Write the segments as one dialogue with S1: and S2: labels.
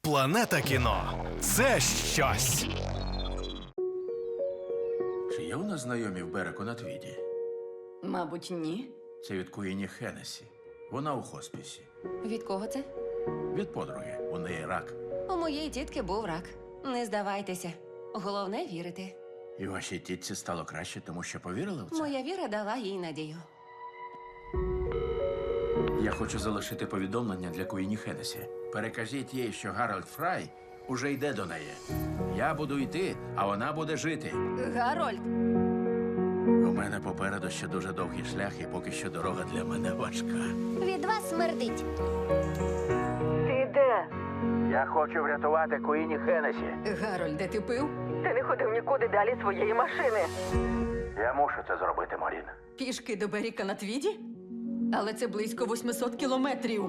S1: Планета кіно – це щось.
S2: Чи є у нас знайомі в Береку на Твіді?
S3: Мабуть, ні.
S2: Це від Куїні Хеннесі. Вона у хоспісі.
S4: Від кого це?
S2: Від подруги. У неї рак.
S4: У моєї тітки був рак. Не здавайтеся. Головне вірити.
S2: І вашій тітці стало краще, тому що повірили в це?
S4: Моя віра дала їй надію.
S2: Я хочу залишити повідомлення для Куїні Хеннесі. Перекажіть їй, що Гарольд Фрай уже йде до неї. Я буду йти, а вона буде жити.
S3: Гарольд,
S2: У мене попереду ще дуже довгий шлях, і поки що дорога для мене важка.
S5: Від вас смердить.
S3: ти де?
S2: Я хочу врятувати Куїні Хеннесі.
S3: Гарольде, ти пив? Ти не ходив нікуди далі своєї машини.
S2: Я мушу це зробити, Морін.
S3: Пішки до Беріка на Твіді? Але це близько 800 кілометрів.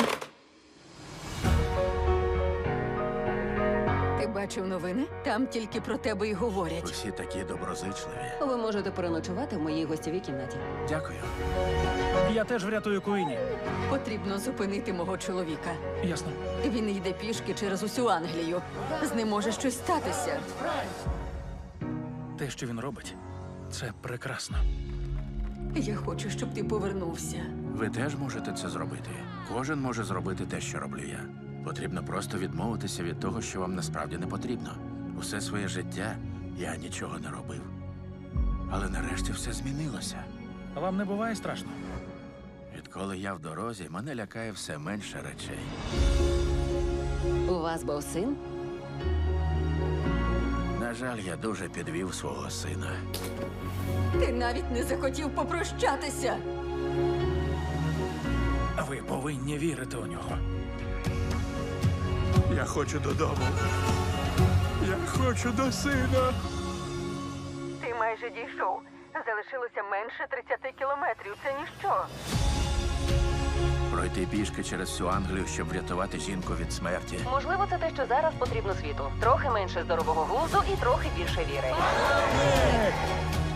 S3: Ти бачив новини? Там тільки про тебе й говорять.
S2: Усі такі доброзичливі.
S4: Ви можете переночувати в моїй гостєвій кімнаті.
S2: Дякую.
S6: Я теж врятую Куїні.
S3: Потрібно зупинити мого чоловіка.
S6: Ясно.
S3: Він йде пішки через усю Англію. З ним може щось статися.
S6: Те, що він робить, це прекрасно.
S3: Я хочу, щоб ти повернувся.
S2: Ви теж можете це зробити. Кожен може зробити те, що роблю я. Потрібно просто відмовитися від того, що вам насправді не потрібно. Усе своє життя я нічого не робив. Але нарешті все змінилося.
S6: А вам не буває страшно?
S2: Відколи я в дорозі, мене лякає все менше речей.
S4: У вас був син?
S2: На жаль, я дуже підвів свого сина.
S3: Ти навіть не захотів попрощатися.
S6: А ви повинні вірити у нього.
S2: Я хочу додому. Я хочу до сина.
S3: Ти майже дійшов. Залишилося менше 30 кілометрів. Це ніщо.
S2: Пройти пішки через всю Англію, щоб врятувати жінку від смерті.
S4: Можливо, це те, що зараз потрібно світу. Трохи менше здорового глузду і трохи більше віри.